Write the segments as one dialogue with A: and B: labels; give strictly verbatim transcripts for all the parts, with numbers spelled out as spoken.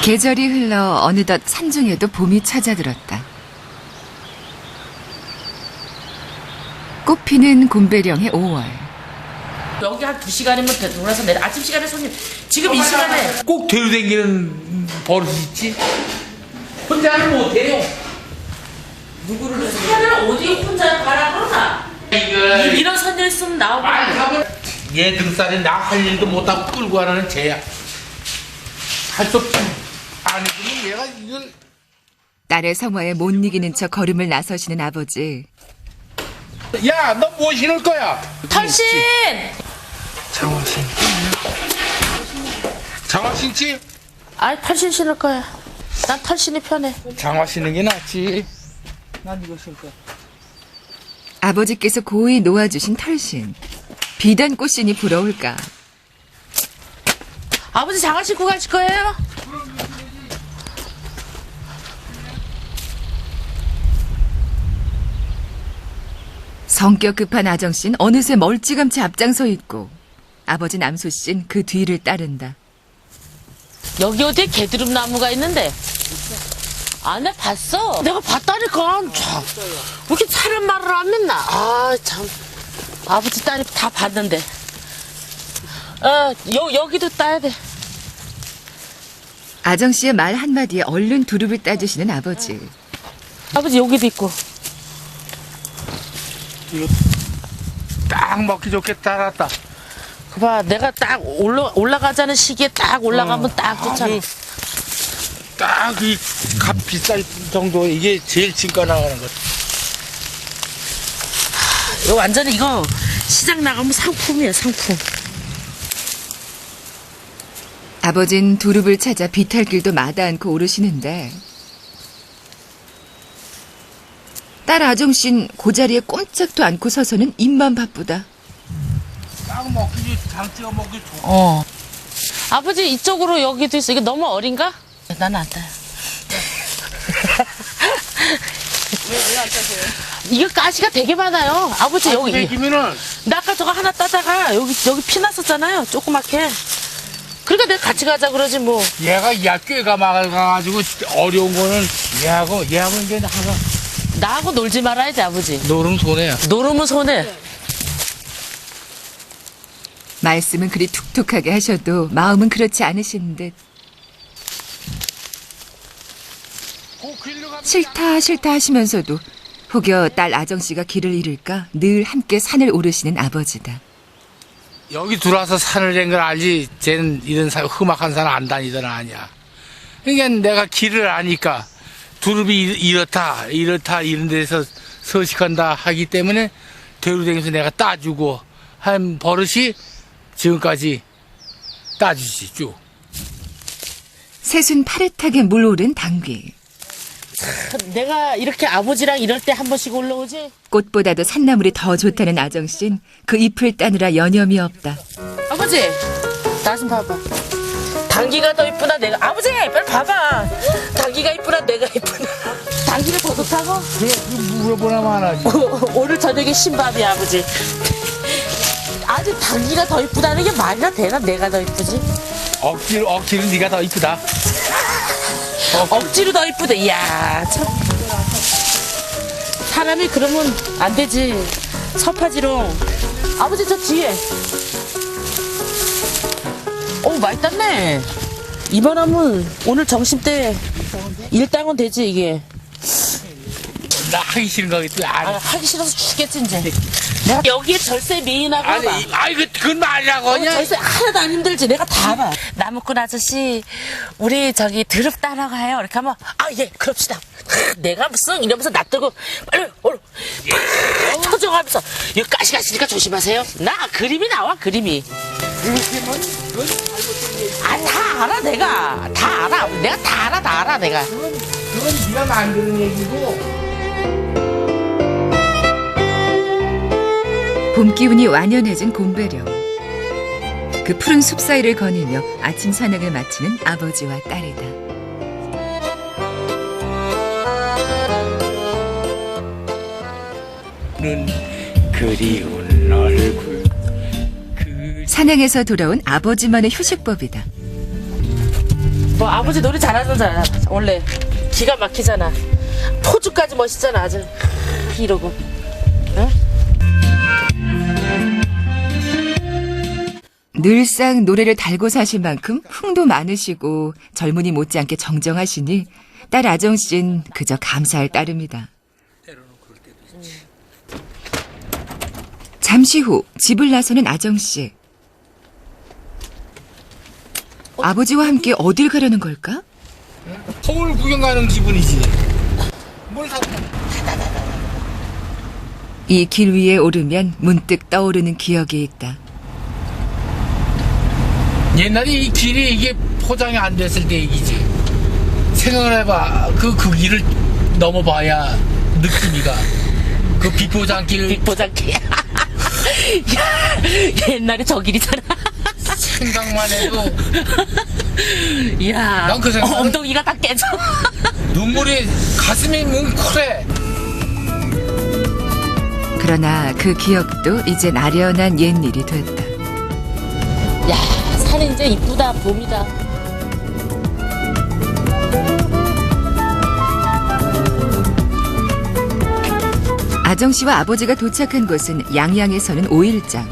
A: 계절이 흘러 어느덧 산중에도 봄이 찾아들었다. 꽃피는 곰배령의 오월.
B: 여기 한 두 시간이면 돌아서 내려. 아침 시간에 손님. 지금 이 시간에.
C: 꼭 데려다니는 버릇이 있지. 혼자는 못해요.
B: 누구를 해서. 산을 어디 혼자 가라 그러나.
C: 이거
B: 이런 선녀 있으면 나오고.
C: 얘 등살에 나 할 일도 못하고 끌고 가라는 쟤야. 할 수 없지. 안 해주면 얘가 이걸.
A: 딸의 성화에 못 이기는 척 걸음을 나서시는 아버지.
C: 야, 너 뭐 신을 거야?
B: 털신!
C: 장화 신. 장화 신지?
B: 아이, 털신 신을 거야. 난 털신이 편해.
C: 장화 신는 게 낫지. 난 이거 신을 거야.
A: 아버지께서 고이 놓아주신 털신. 비단 꽃신이 부러울까.
B: 아버지 장화 신고 가실 거예요?
A: 성격 급한 아정씨는 어느새 멀찌감치 앞장서 있고 아버지 남소씨는 그 뒤를 따른다.
B: 여기 어디에 개드름 나무가 있는데? 아, 내가 봤어. 내가 봤다니까. 참. 왜 이렇게 차는 말을 안 믿나? 아, 참. 아버지 딸이 다 봤는데. 어, 여, 여기도 따야 돼.
A: 아정씨의 말 한마디에 얼른 두릅을 따주시는 아버지.
B: 아버지 여기도 있고.
C: 이거 딱 먹기 좋게 따랐다.
B: 그 봐, 내가 딱 올라, 올라가자는 시기에 딱 올라가면
C: 어,
B: 딱 좋잖아.
C: 딱 이 값 비쌀 정도 이게 제일 진가 나가는 거.
B: 이거 완전히 이거 시장 나가면 상품이에요, 상품.
A: 아버진 두릅을 찾아 비탈길도 마다 않고 오르시는데 딸 아정씨는 고자리에 꼼짝도 않고 서서는 입만 바쁘다.
C: 딱 먹기 장 찍어 먹기 좋고.
B: 어. 아버지 이쪽으로 여기도 있어. 이거 너무 어린가? 나는 안 따요.
D: 왜 왜 안 따세요?
B: 이거 가시가 되게 많아요. 아버지 여기.
C: 먹이면은
B: 나 아까 저거 하나 따다가 여기 여기 피 났었잖아요. 조그맣게. 그러니까 내가 같이 가자 그러지 뭐.
C: 얘가 야 꾀가 막아가지고 어려운 거는 얘하고 얘하고 이제 하나
B: 나하고 놀지 말아야지 아버지.
C: 노름 손해야.
B: 노름은 손해.
A: 말씀은 그리 툭툭하게 하셔도 마음은 그렇지 않으신 듯. 싫다 싫다 하시면서도 혹여 딸 아정씨가 길을 잃을까 늘 함께 산을 오르시는 아버지다.
C: 여기 들어와서 산을 댄 걸 알지. 쟤는 이런 산, 험악한 산 안 다니던 아니야. 그러니까 내가 길을 아니까 두릅이 이렇다 이렇다 이런 데서 서식한다 하기 때문에 대로댕에서 내가 따주고 한 버릇이 지금까지 따주지 쭉.
A: 새순 파릇하게 물오른 당귀.
B: 내가 이렇게 아버지랑 이럴 때 한 번씩 올라오지.
A: 꽃보다도 산나물이 더 좋다는 아정씨는 그 잎을 따느라 여념이 없다.
B: 아버지 나 좀 봐봐. 당기가 더 이쁘나 내가. 아버지 빨리 봐봐. 당기가 이쁘나 내가 이쁘나. 당기가 더 좋다고?
C: 그래, 물어보나 마나지.
B: 오늘 저녁에 신밥이야 아버지. 아주 당기가 더 이쁘다는 게 말이나 되나? 내가 더 이쁘지?
C: 억지로, 억지로 네가 더 이쁘다.
B: 억지로 더 이쁘다. 이야 참. 사람이 그러면 안 되지. 서파지롱. 아버지 저 뒤에. 오 많이 땄네. 이만하면 오늘 점심때 일당은 되지 이게.
C: 나 하기 싫은 거겠지.
B: 아,
C: 아니,
B: 하기 싫어서 죽겠지 이제. 내가 여기에 절세 미인하고
C: 아니,
B: 봐.
C: 이- 아이, 그, 그건 말이라고.
B: 어,
C: 그냥.
B: 절세 하나도 안 힘들지. 내가 다 알아. 나무꾼 아저씨, 우리 저기 드럽 따러 가요. 이렇게 하면 아 예 그럽시다. 내가 무슨 이러면서 놔두고 빨리 얼른 터져가면서 이거 가시가시니까 조심하세요. 나 그림이 나와 그림이. 아 다 알아 내가 다 알아. 내가 다 알아 다 알아 내가.
C: 그건, 그건 네가 만드는 얘기고.
A: 봄 기운이 완연해진 곰배령. 그 푸른 숲 사이를 거닐며 아침 산행을 마치는 아버지와 딸이다.
C: 눈 그리운 얼굴 그
A: 산행에서 돌아온 아버지만의 휴식법이다.
B: 뭐 아버지 노래 잘하잖아. 원래 기가 막히잖아. 포즈까지 멋있잖아 아주. 이러고. 응?
A: 늘상 노래를 달고 사실 만큼 흥도 많으시고 젊은이 못지않게 정정하시니 딸 아정씨는 그저 감사할 따름이다. 잠시 후 집을 나서는 아정씨. 아버지와 함께 어딜 가려는 걸까?
C: 서울 구경 가는 기분이지. 뭘 사?
A: 이 길 위에 오르면 문득 떠오르는 기억이 있다.
C: 옛날에 이 길이 이게 포장이 안 됐을 때 얘기지. 생각을 해봐. 그, 그 길을 넘어봐야 느낌이가. 그 비포장길.
B: 빅보장기. 야, 옛날에 저 길이잖아.
C: 생각만 해도
B: 이야,
C: 난그 생각-
B: 어, 엉덩이가 다 깨져.
C: 눈물이 가슴이 뭉클해.
A: 그러나 그 기억도 이제 아련한 옛일이 됐다.
B: 야, 산이 이제 이쁘다, 봄이다.
A: 아정씨와 아버지가 도착한 곳은 양양에 서는 오일장.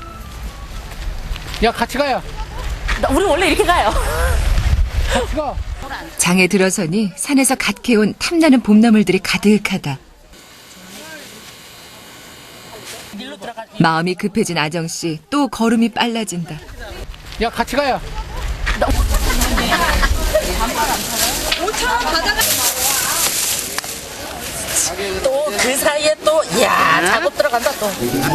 C: 야, 같이 가요.
B: 나- 우리 원래 이렇게 가요.
C: 같이 가.
A: 장에 들어서니 산에서 갓 캐온 탐나는 봄나물들이 가득하다. 마음이 급해진 아정씨, 또 걸음이 빨라진다.
C: 야, 같이 가요.
B: 또 그 사이에 또, 야, 작업 들어간다, 또.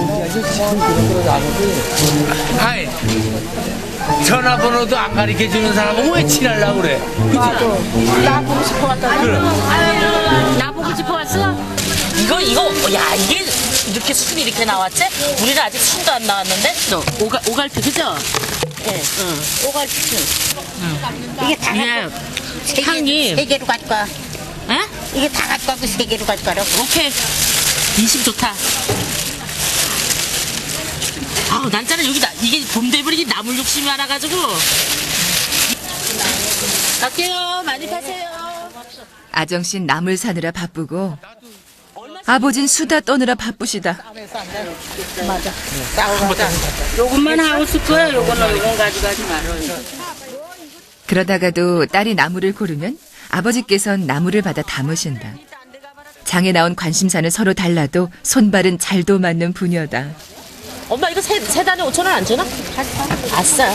C: 아이, 전화번호도 안 가르쳐 주는 사람은 왜 친하려고 그래? 그치?
B: 나 보고 싶어 왔다.
C: 그래.
B: 나 보고 싶어 왔어? 이거, 이거, 야, 이게 이렇게 순이 이렇게 나왔지? 우리는 아직 순도 안 나왔는데? 너, 오갈, 오갈피, 그죠? 예, 응. 오갈피 순.
E: 이게 다
B: 예.
E: 세 개,
B: 향이.
E: 세 개로 가져가.
B: 에?
E: 이게 다 가져가고 세 개로 가져가라고.
B: 오케이. 인심 좋다. 아우, 난짜는 여기다. 이게 봄 되면 이게 나물 욕심이 많아가지고. 갈게요. 많이 파세요.
A: 아정씨는 나물 사느라 바쁘고 아버진 수다 떠느라 바쁘시다.
E: 요것만 하고 쓸 거야. 요거는 요건 가져가지 말아.
A: 그러다가도 딸이 나물을 고르면 아버지께선 나물을 받아 담으신다. 장에 나온 관심사는 서로 달라도 손발은 잘도 맞는 부녀다.
B: 엄마 이거 세, 세 단에 오천 원 안 주나? 아싸.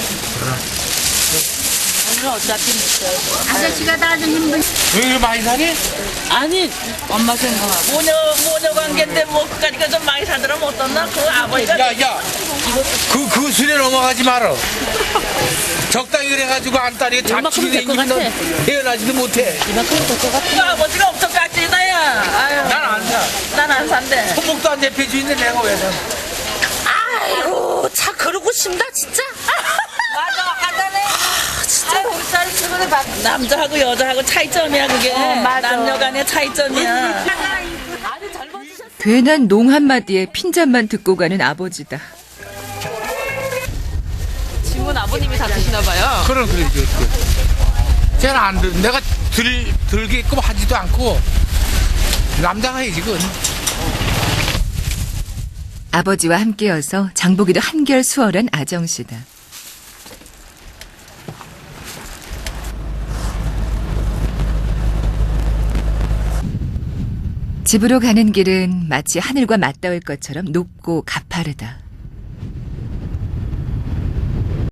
B: 오늘 어차피
E: 아저씨가 다 준 힘들.
C: 왜 이렇게 많이 사니?
B: 아니 엄마 생각하고
F: 모녀 모녀 관계인데 뭐 그까니까 좀 많이 사들으면 어떻나? 그 아버지가
C: 야, 야. 그, 그 술에 넘어가지 말어. 적당히 그래가지고 안 딸이 잡치게
B: 얼마큼 될것
C: 생기면
B: 같아?
C: 넌 태어나지도 못해.
B: 이만큼 될것 같아.
F: 그 아버지가 엄청 깍지다야. 아유,
C: 난 안 사.
F: 난 안 산대.
C: 손목도 안 잡혀주는데 내가 왜 사?
B: 아이고 차 그러고 싶다 진짜.
F: 맞아, 하자네. 진짜 공짜를 쓰고는 남자하고 여자하고 차이점이야 그게. 남녀 간의 차이점이야.
A: 괜한 농 한마디에 핀잔만 듣고 가는 아버지다.
D: 짐은 아버님이 다 드시나 봐요.
C: 그럼 그래, 그래. 쟤는 안 들, 내가 들, 들게끔 하지도 않고, 남자가 해야지, 그건.
A: 아버지와 함께여서 장보기도 한결 수월한 아정씨다. 집으로 가는 길은 마치 하늘과 맞닿을 것처럼 높고 가파르다.